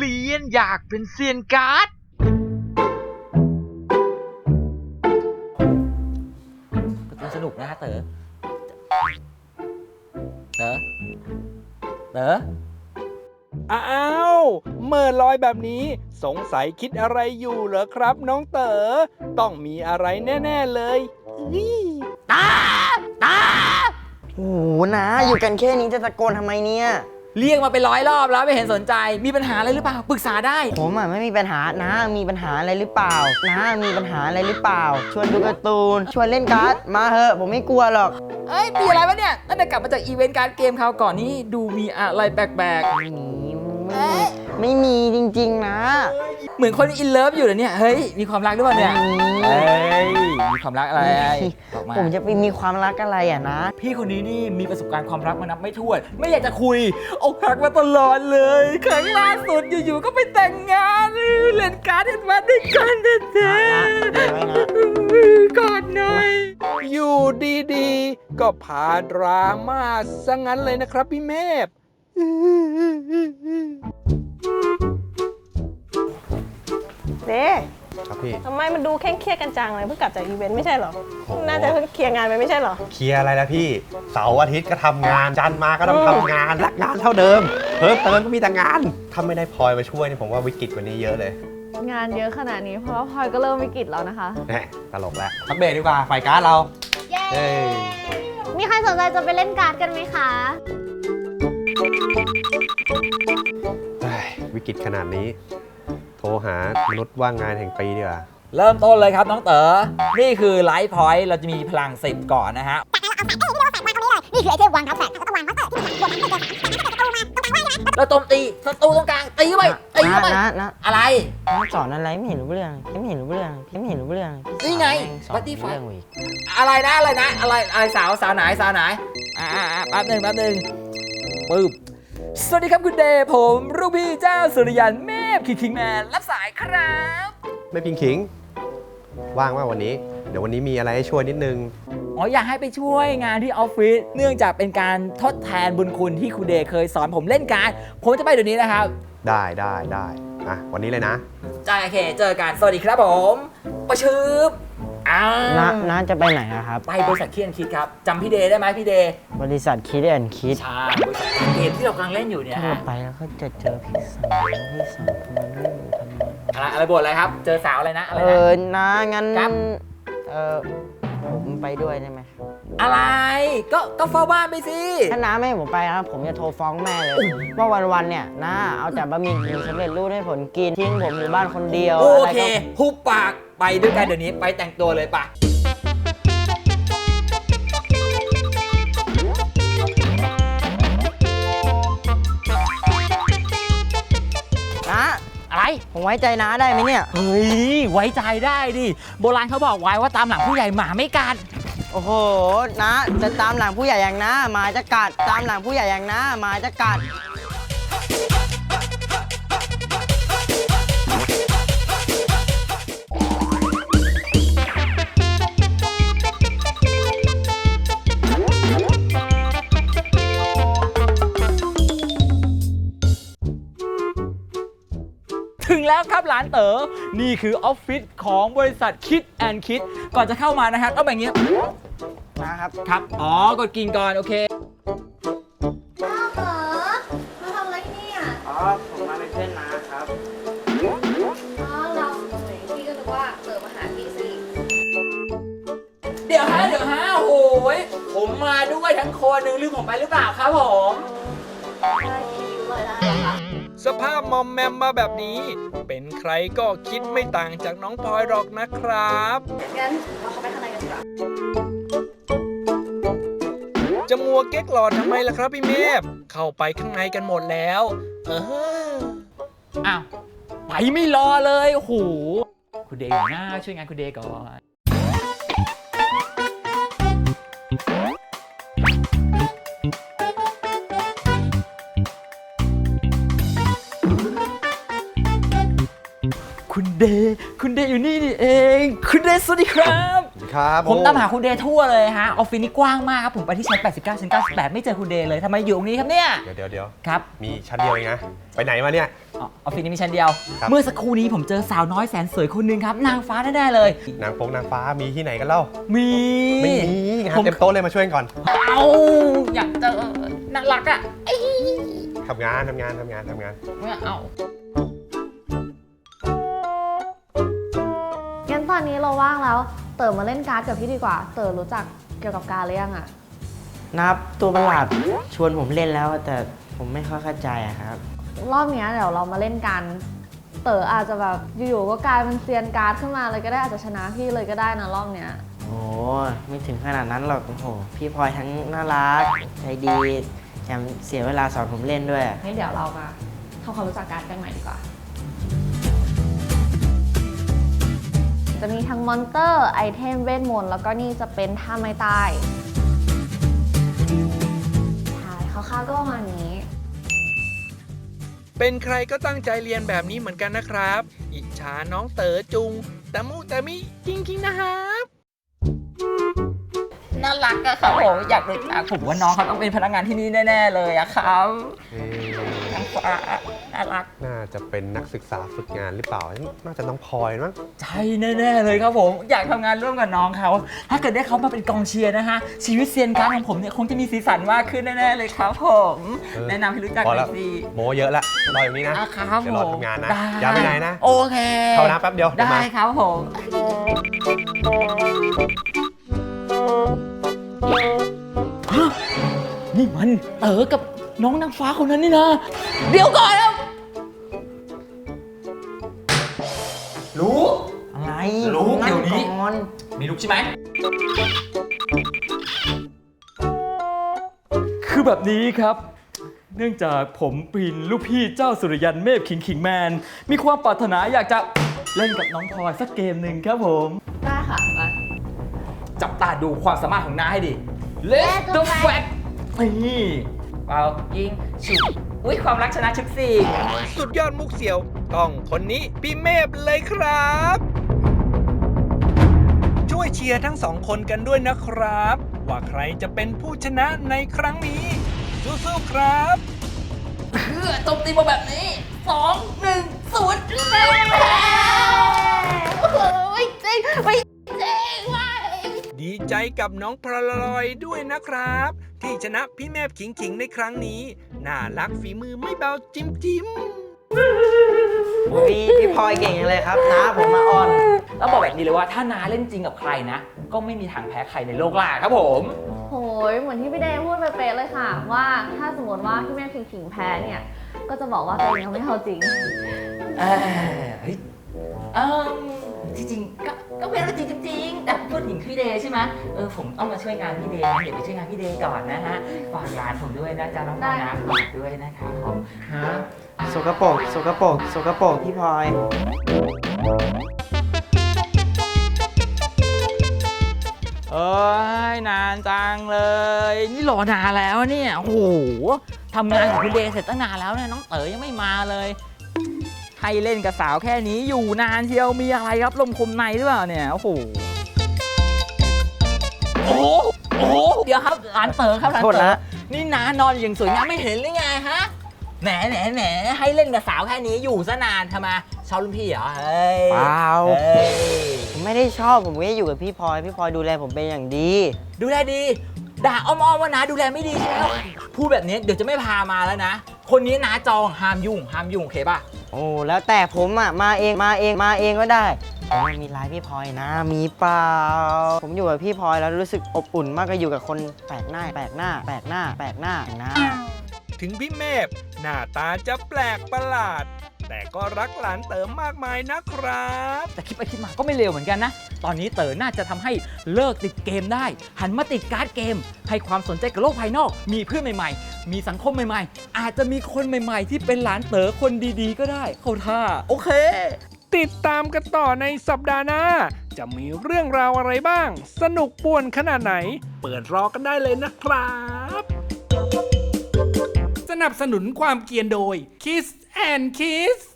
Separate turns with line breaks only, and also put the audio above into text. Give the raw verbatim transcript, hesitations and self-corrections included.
เรียนอยากเป็นเซียนการ์ด
การ์ตูนสนุกนะฮะเต๋อเต๋อเต๋อ
อ้าวเมื่อลอยแบบนี้สงสัยคิดอะไรอยู่เหรอครับน้องเต๋อต้องมีอะไรแน่ๆเลย
ตาตา
โอ้โหนะอยู่กันแค่นี้จะตะโกนทำไมเนี่ย
เรียกมาเป็นร้อยรอบแล้วไม่เห็นสนใจมีปัญหาอะไรหรือเปล่าปรึกษาได้
ผมอ่ะไม่มีปัญหานะมีปัญหาอะไรหรือเปล่านะมีปัญหาอะไรหรือเปล่าชวนดูการ์ตูนชวนเล่นการ์ดมาเหอะผมไม่กลัวหรอก
เอ้ยมีอะไรวะเนี่ยตั้งแต่กลับมาจากอีเวนต์การ์ดเกมคราวก่อนนี้ดูมีอะไรแปลกๆ
ไม่มีไม่มีจริงๆนะ
เหมือนคนอินเลิฟอยู่เลยเนี่ยเฮ้ยมีความรักหรือเปล่าเนี่ยเฮ้ยมีความรักอะไร
ผมจะไปมีความรักอะไรอ่ะนะ
พี่คนนี้นี่มีประสบการณ์ความรักมานับไม่ถ้วนไม่อยากจะคุยอกหักมาตลอดเลยครั้งล่าสุดอยู่ๆก็ไปแต่งงานเล่นการ์ดมาด้วยกันแท้ๆกอดหน่อย
อยู่ดีๆก็พาดราม่าซะงั้นเลยนะครับพี่เมฆ
เด้
ครับพี่
ทำไมมันดูเคร่งเครียดกันจังเลยเพิ่งกลับจากอีเวนต์ไม่ใช่เหรอน่าจะเพิ่งเคลียร์งานไปไม่ใช่เหรอ
เคลียร์อะไรแล้วพี่เสาร์อาทิตย์ก็ทำงานจันทร์มาก็ต้องทำงานรักงานเท่าเดิมเพิ่มเติมก็มีแต่งานถ้าไม่ได้พลอยมาช่วยนี่ผมว่าวิกฤตกว่านี้เยอะเลย
งานเยอะขนาดนี้เพราะว่าพลอยก็เริ่มวิกฤตแล้วนะคะ
แหมตลกแล้วพักเบรกดีกว่าไฟการ์ดเรา
เย้มีใครสนใจจะไปเล่นการ์ดกันไหมคะ
วิกฤตขนาดนี้โทรหามนุษย์ว่างงานแห่งปีดีกว่า
เริ่มต้นเลยครับน้องเต๋อนี่คือไลฟ์พอยต์เราจะมีพลังสิบก่อนนะฮะ
นี่คือไอเทมวางทับแฝกแล้วก็วางพัตเตอร์ที่มันบวกทั้งหมดเลยจากประตูมาตรงกลางว่างนะ
เราโจมตีศัตรูตรงกลางตีเข้าไปตีเข้าไปอะไร
สอนอะไรไม่เห็นรู้เรื่องไม่เห็นรู้เรื่องไม่เห็นรู้เรื่อง
นี่ไงบัตตี้ไฟอะไรนะอะไรนะอะไรอะไรสาวสาวไหนสาวไหนอ่าแป๊บหนึ่งแป๊บหนึ่งปึ๊บสวัสดีครับคุณเดย์ผมลูกพี่เจ้าสุริยันแม่คิงคิงแมนรับสายครับ
ไม่พิงขิงว่างว่าวันนี้เดี๋ยววันนี้มีอะไรให้ช่วยนิดนึง
อ๋ออยากให้ไปช่วยงานที่ออฟฟิศเนื่องจากเป็นการทดแทนบุญคุณที่คุณเดย์เคยสอนผมเล่นการผมจะไปเดี๋ยวนี้นะครับ
ได้ได้ได้อ่ะวันนี้เลยนะ
จ้าโอเคเจอกันสวัสดีครับผมประชืบอ้า
น้าน้าจะไปไหนครับ
ไปบริษัทคิดแอนคิดครับจำพี่เดย์ได้ไหมพี่เดย์
บริษัทคิดแอนคิด
ใช่บริษัทเกมที่เรากำลังเล่นอยู่เนี่ย
ถ้าเราไปแล้วก็จะเจอพี่สาวพี่สาวคนนั้นไม่อยู่ทำไม
อะไรอะไรบทอะไรครับเจอสาวอะไรนะอะไรนะ
เออน้างั้นเออผมไปด้วยได้ไหม
อะไรก็ก็เฝ้าบ้านไปสิ
ถ้าน้าไม่ให้ผมไปนะผมจะโทรฟ้องแม่เลยว่าวันๆเนี่ยน้าเอาแต่บะหมี่กึ่งสำเร็จรูปให้ผมกินทิ้งผมอยู่บ้านคนเดียว
โอเคหุบปากไปด้วยกันเดี๋ยวนี้ไปแต่งตัวเลยปะ
นะ
อะไร
ผมไว้ใจน้าได้ไหมเนี่ย
เฮ้ยไว้ใจได้ดิโบราณเขาบอกไว้ว่าตามหลังผู้ใหญ่หมาไม่กัด
โอ้โหนะจะตามหลังผู้ใหญ่อย่างน้าหมาจะกัดตามหลังผู้ใหญ่อย่างน้าหมาจะกัด
ถึงแล้วครับหลานเต๋อนี่คือออฟฟิศของบริษัทคิดแอนคิดก่อนจะเข้ามานะฮะต้องแบบนี้
นะครับ
ครับอ๋อกดกินก่อนโอเค
น้าเต๋อมาทำอะไรที่นี่อ่ะ
อ๋อผมมาเป็นเพื่อนน้าครับ
อ๋อเราพี่ก็นึกว่าเต๋อมาหาพี่สิ
เดี๋ยวฮะเดี๋ยวฮะโอ้ยผมมาด้วยทั้งคนนึงลืมผมไปหรือเปล่าครับผม
ได้พี่ด้วยได้ค่ะ
สภาพมอมแมมมาแบบนี้เป็นใครก็คิดไม่ต่างจากน้องพลอยหรอกนะครับ
งั้นเราเข้าไปข้างในกันดีกว่า
จะมัวเก๊กหลอดทำไมล่ะครับพี่เมฟเข้าไปข้างในกันหมดแล้วเออ
อ้าวไปไม่รอเลยโอ้โหคุณเดย์หน้าช่วยงานคุณเดย์ก่อนคุณเดย์คุณเดย์อยู่นี่นี่เองคุณเดย์สวัสดีครับ
ครับ
ผม
โอ้
ตามหาคุณเดย์ทั่วเลยฮะออฟฟิศนี่กว้างมากครับผมไปที่ชั้นแปดสิบเก้าชั้นเก้าสิบแปดไม่เจอคุณเดย์เลยทำไมอยู่ตรงนี้ครับเนี่ย
เดี๋ยวเดี๋ยวเดี๋ยว
ครับ
มีชั้นเดียวเองนะ ไปไหนมาเนี่ย
อ๋อออฟฟิศนี้มีชั้นเดียว
ครับ
เมื่อสักครู่นี้ผมเจอสาวน้อยแสนสวยคนหนึงครับนางฟ้าแน่ๆเลย
นางฟงนางฟ้ามีที่ไหนกันเล่า
มี
ไม่มีงาน
ผม
เต็มโต๊ะเลยมาช่วยกันก่อน
เอาอยากเจอน่ารักอ่ะเอ้ย
ทำงานทำงานทำงานทำงาน
ไม่เอา
งั้นตอนนี้เราว่างแล้ว เต๋อมาเล่นการ์ดกับพี่ดีกว่า เต๋อรู้จักเกี่ยวกับการ์ดหรือยังอะ
นับตัวประหลาดชวนผมเล่นแล้วแต่ผมไม่ค่อยเข้าใจอะครับ
รอบเนี้ยเดี๋ยวเรามาเล่นกัน เต๋ออาจจะแบบอยู่ๆก็กลายเป็นเซียนการ์ดขึ้นมาเลยก็ได้อาจจะชนะพี่เลยก็ได้นะรอบเนี้ย
โอ้ไม่ถึงขนาดนั้นหรอกโอ้โหพี่พลอยทั้งน่ารักใจดีแถมเสียเวลาสอนผมเล่นด้วย
งั้นเดี๋ยวเรามาทำความรู้จักการ์ดกันใหม่ดีกว่า จะมีทั้งมอนเตอร์ไอเทมเวทมนต์แล้วก็นี่จะเป็นท่าไม้ตายใช่คร่าวๆก็ประมาณนี้
เป็นใครก็ตั้งใจเรียนแบบนี้เหมือนกันนะครับ อิจฉาน้องเต๋อจุง แต่มูแต่มิจริงๆนะครับ
น่ารักอะครับผมอยากรู้จักผมว่าน้องเขาต้องเป็นพนักงานที่นี่แน่ๆเลยอะครับ
เอ๊ะ
นางฟ้าน่ารัก
น่าจะเป็นนักศึกษาฝึกงานหรือเปล่า น่าจะน้องพลอยมั้ง
ใช่แน่ๆเลยครับผมอยากทำงานร่วมกับน้องเขาถ้าเกิดได้เขามาเป็นกองเชียร์นะฮะชีวิตเซียนการ์ดของผมเนี่ยคงจะมีสีสันมากขึ้นแน่ๆเลยครับผม
เออ
แนะนำให้รู้จัก
พอ
หน่
แล้
อ
วย
สิ
โมเยอะละรออย่างนี้นะ
อ่ะครับ
เดี๋ยว
ผ
รอ
ม
ทำงานนะ
ด้
อย่าไปไหนนะ
โอเค
เข้าน้ำแป๊บเดียวเดี๋ยว
ได้
มา
ครับผมฮะนี่มันเต๋อกับน้องนางฟ้าคนนั้นนี่นะเดี๋ยวก่อนครับรู้
อะไร
รู้เดี๋ยวนี้
ก่อน
มีลูกใช่ไหม คือแบบนี้ครับ เนื่องจากผมปีนลูกพี่เจ้าสุริยันเมฆขิงขิงแมน มีความปรารถนาอยากจะเล่นกับน้องพลอยสักเกมหนึ่งครับผม
ได้ค่ะมา
จับตาดูความสามารถของน้าให้ดิ Let's the fact นี่เปล่ายิงฉุบอุ้ยความรักชนะชุบสี่
สุดยอดมุกเสี่ยว ต้องคนนี้พี่เมฟเลยครับ ช่วยเชียร์ทั้งสองคนกันด้วยนะครับ ว่าใครจะเป็นผู้ชนะในครั้งนี้สู้ๆครับ
เพื่อโจมตีมาแบบนี้สองหนึ่งศูนย์เย้โอ้โหจริงไม่จริงว่ะ
ดีใจกับน้องพลอยด้วยนะครับ ที่ชนะพี่แมฟขิงขิงในครั้งนี้ น่ารักฝีมือไม่เบาจิ้มจิ้ม
พี่พี่พลอยเก่งจังเลยครับน้าผมมาอ่อน
แล้วบอกแบบนี้เลยว่าถ้าน้าเล่นจริงกับใครนะ ก็ไม่มีทางแพ้ใครในโลกล่าครับผม
โหยเหมือนที่พี่เดย์พูดไปเป๊ะเลยค่ะ ว่าถ้าสมมติว่าพี่แม่ขิงขิงแพ้เนี่ย ก็จะบอกว่าตัวเองยังไม่เอาจริง
เออเฮ้ยเออจริงๆก็ก็เป็นเรื่องจริงจริงๆแต่พูดถึงพี่เดย์ใช่ไหมเออผมต้องมาช่วยงานพี่เดย์เดี๋ยวไปช่วยงานพี่เดย์ก่อนนะฮะฝากร้านผมด้วยนะจ๊ะน้องพลอยนะฝากด้วยนะครับผมฮะ
สกปรกสกปรกสกปรกพี่พลอย
เอ้ยนานจังเลย นี่รอนานแล้วเนี่ยโอ้โหทำงานกับคุณเดย์เสร็จตั้งนานแล้วเนี่ยน้องเต๋อยังไม่มาเลยให้เล่นกับสาวแค่นี้อยู่นานเชียวมีอะไรครับลมคมในหรือเปล่าเนี่ยโอ้โหโอ้โหโอ้โหเดี๋ยวครับร้านเต๋อครับร้าน
โทษ
เต๋อ
นะ
นี่นานอนอย่างสวยงามไม่เห็นหรือไงฮะแหมแหมแหมให้เล่นกับสาวแค่นี้อยู่ซะนานทำไมชอบรุ่นพี่เหรอเฮ้ย
เปล่า
เฮ้ย
ผมไม่ได้ชอบผมก็อยู่กับพี่พลอยพี่พลอยดูแลผมเป็นอย่างดี
ดูแลดี ด่าอ้อมๆว่านะดูแลไม่ดีใช่ไหมพูดแบบนี้เดี๋ยวจะไม่พามาแล้วนะ คนนี้นะจองห้ามยุ่งห้ามยุ่งโอเคป่ะ
โอ้แล้วแต่ผมอ่ะมาเองมาเองมาเองก็ได้แต่ว่ามีไลน์พี่พลอยนะ มีเปล่า ผมอยู่กับพี่พลอยแล้วรู้สึกอบอุ่นมากกว่าอยู่กับคนแปลกหน้าแปลกหน้าแปลกหน้าแปลกหน้านะ
ถึงพี่เมฟหน้าตาจะแปลกประหลาด แต่ก็รักหลานเต๋อมากมายนะครับ
แต่คิดไปคิดมาก็ไม่เลวเหมือนกันนะ ตอนนี้เต๋อน่าจะทำให้เลิกติดเกมได้ หันมาติดการ์ดเกม ให้ความสนใจกับโลกภายนอก มีเพื่อนใหม่ๆ มีสังคมใหม่ๆ อาจจะมีคนใหม่ๆ ที่เป็นหลานเต๋อคนดีๆ ก็ได้ เข้าท่า โอเค
ติดตามกันต่อในสัปดาห์หน้า จะมีเรื่องราวอะไรบ้าง สนุกป่วนขนาดไหน เปิดรอกันได้เลยนะครับ สนับสนุนความเกรียนโดย Kiss and Kiss